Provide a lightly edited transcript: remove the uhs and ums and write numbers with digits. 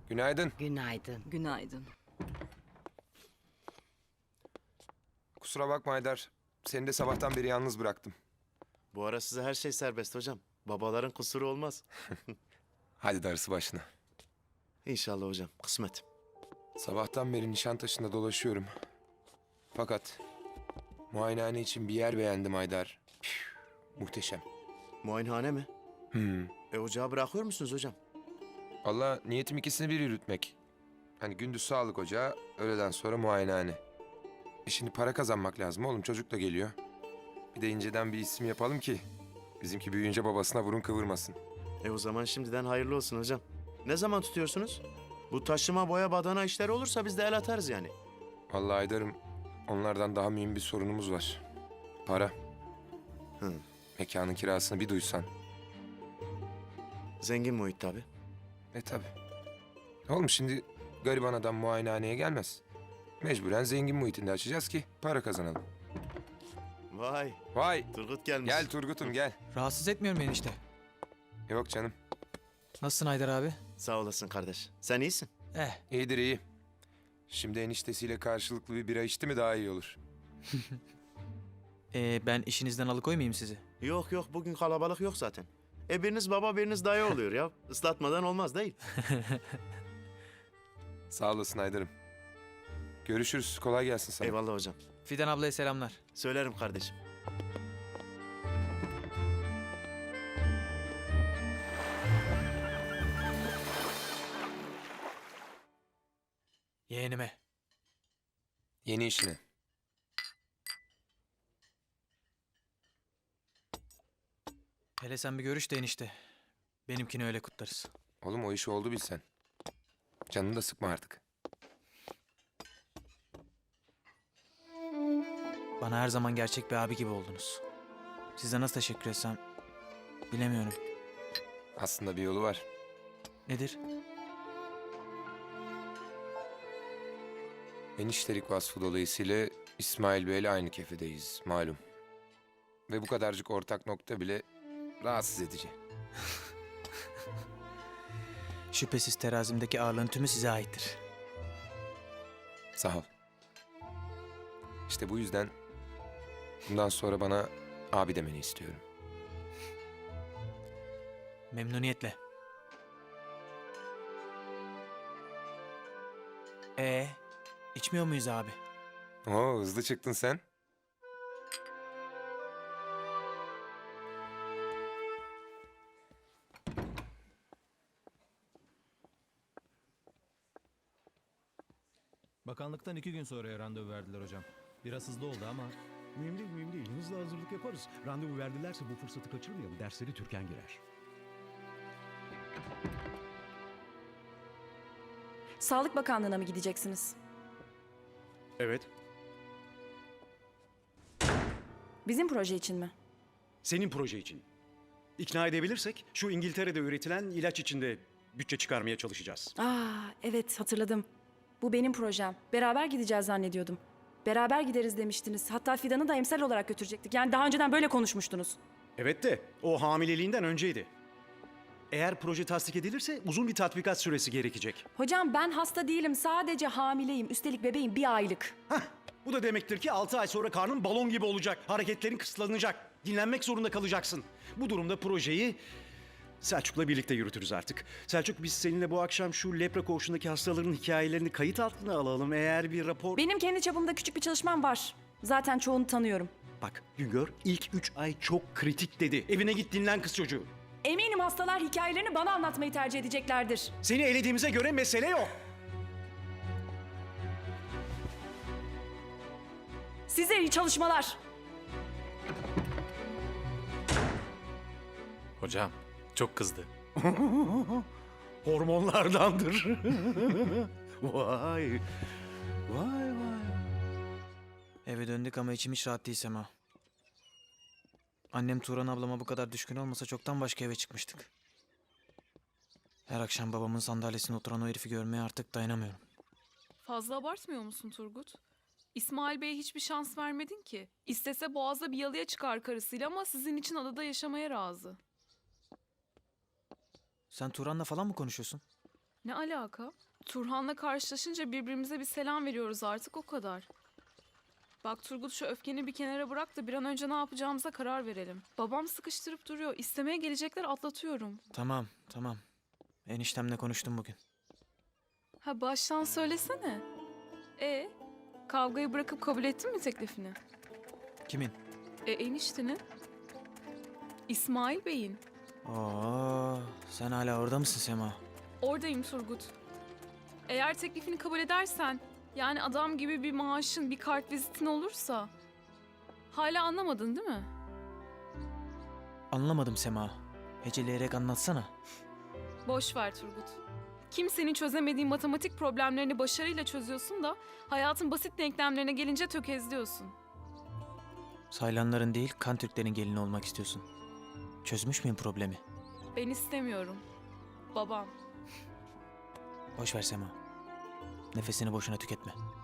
Günaydın. Günaydın. Günaydın. Kusura bakma Haydar. Seni de sabahtan beri yalnız bıraktım. Bu ara size her şey serbest hocam. Babaların kusuru olmaz. Hadi darısı başına. İnşallah hocam. Kısmet. Sabahtan beri Nişantaşı'nda dolaşıyorum. Fakat muayenehane için bir yer beğendim Haydar. Muhteşem. Muayenehane mi? Ocağı bırakıyor musunuz hocam? Allah niyetim ikisini bir yürütmek. Hani gündüz sağlık ocağı, öğleden sonra muayenehane. Şimdi para kazanmak lazım oğlum. Çocuk da geliyor. Bir de inceden bir isim yapalım ki bizimki büyüyünce babasına burun kıvırmasın. O zaman şimdiden hayırlı olsun hocam. Ne zaman tutuyorsunuz? Bu taşıma boya badana işleri olursa biz de el atarız yani. Vallahi Haydar'ım, onlardan daha mühim bir sorunumuz var. Para. Hı. Mekanın kirasını bir duysan. Zengin muhit tabii. Tabii. Oğlum şimdi gariban adam muayenehaneye gelmez. Mecburen zengin muhitinde açacağız ki para kazanalım. Vay, Vay! Turgut gelmiş. Gel Turgut'um gel. Rahatsız etmiyorum enişte. Yok canım. Nasılsın Haydar abi? Sağ olasın kardeş. Sen iyisin. İyidir iyi. Şimdi eniştesiyle karşılıklı bir bira içti mi daha iyi olur. Ben işinizden alıkoymayayım sizi. Yok yok bugün kalabalık yok zaten. Biriniz baba biriniz dayı oluyor ya. Islatmadan olmaz değil. Sağ olasın Haydar'ım. Görüşürüz. Kolay gelsin sana. Eyvallah hocam. Fidan ablaya selamlar. Söylerim kardeşim. Yeğenime. Yeni işine. Hele sen bir görüş de enişte. Benimkini öyle kutlarız. Oğlum o iş oldu bilsen. Canını da sıkma artık. Bana her zaman gerçek bir abi gibi oldunuz. Size nasıl teşekkür etsem bilemiyorum. Aslında bir yolu var. Nedir? Eniştelik vasfı dolayısıyla İsmail Bey'le aynı kefedeyiz malum. Ve bu kadarcık ortak nokta bile rahatsız edici. Şüphesiz terazimdeki ağırlığın tümü size aittir. Sağ ol. İşte bu yüzden bundan sonra bana abi demeni istiyorum. Memnuniyetle. İçmiyor muyuz abi? Oo hızlı çıktın sen. Bakanlıktan 2 gün sonraya randevu verdiler hocam. Biraz hızlı oldu ama... Mühim değil, mühim değil. Hızlı hazırlık yaparız. Randevu verdilerse bu fırsatı kaçırmayalım. Dersleri Türkan girer. Sağlık Bakanlığı'na mı gideceksiniz? Evet. Bizim proje için mi? Senin proje için. İkna edebilirsek şu İngiltere'de üretilen ilaç içinde bütçe çıkarmaya çalışacağız. Evet hatırladım. Bu benim projem. Beraber gideceğiz zannediyordum. Beraber gideriz demiştiniz. Hatta Fidan'ı da emsal olarak götürecektik. Yani daha önceden böyle konuşmuştunuz. Evet de o hamileliğinden önceydi. Eğer proje tasdik edilirse uzun bir tatbikat süresi gerekecek. Hocam ben hasta değilim. Sadece hamileyim. Üstelik bebeğim 1 aylık. Bu da demektir ki 6 ay sonra karnın balon gibi olacak. Hareketlerin kısıtlanacak. Dinlenmek zorunda kalacaksın. Bu durumda projeyi Selçuk'la birlikte yürütürüz artık. Selçuk biz seninle bu akşam şu lepra koğuşundaki hastaların hikayelerini kayıt altına alalım. Eğer bir rapor... Benim kendi çapımda küçük bir çalışmam var. Zaten çoğunu tanıyorum. Bak Güngör ilk 3 ay çok kritik dedi. Evine git dinlen kız çocuğu. Eminim hastalar hikayelerini bana anlatmayı tercih edeceklerdir. Seni elediğimize göre mesele yok. Size iyi çalışmalar. Hocam çok kızdı. Hormonlardandır. Vay. Vay vay. Eve döndük ama içim hiç rahat değil Sema. Annem Turan ablama bu kadar düşkün olmasa çoktan başka eve çıkmıştık. Her akşam babamın sandalyesine oturan o herifi görmeye artık dayanamıyorum. Fazla abartmıyor musun Turgut? İsmail Bey'e hiçbir şans vermedin ki. İstese Boğaz'da bir yalıya çıkar karısıyla ama sizin için adada yaşamaya razı. Sen Turan'la falan mı konuşuyorsun? Ne alaka? Turhan'la karşılaşınca birbirimize bir selam veriyoruz artık, o kadar. Bak Turgut, şu öfkeni bir kenara bırak da bir an önce ne yapacağımıza karar verelim. Babam sıkıştırıp duruyor. İstemeye gelecekler, atlatıyorum. Tamam, tamam. Eniştemle konuştum bugün. Ha, baştan söylesene. Kavgayı bırakıp kabul ettin mi teklifini? Kimin? Eniştenin. İsmail Bey'in. Oo, sen hala orada mısın Sema? Oradayım Turgut. Eğer teklifini kabul edersen, yani adam gibi bir maaşın, bir kart vizitin olursa... Hala anlamadın değil mi? Anlamadım Sema. Heceleyerek anlatsana. Boş ver Turgut. Kimsenin çözemediği matematik problemlerini başarıyla çözüyorsun da... ...hayatın basit denklemlerine gelince tökezliyorsun. Saylanların değil, kan Türklerin gelini olmak istiyorsun. Çözmüş müyüm problemi? Ben istemiyorum. Babam. Boş ver Sema. Nefesini boşuna tüketme.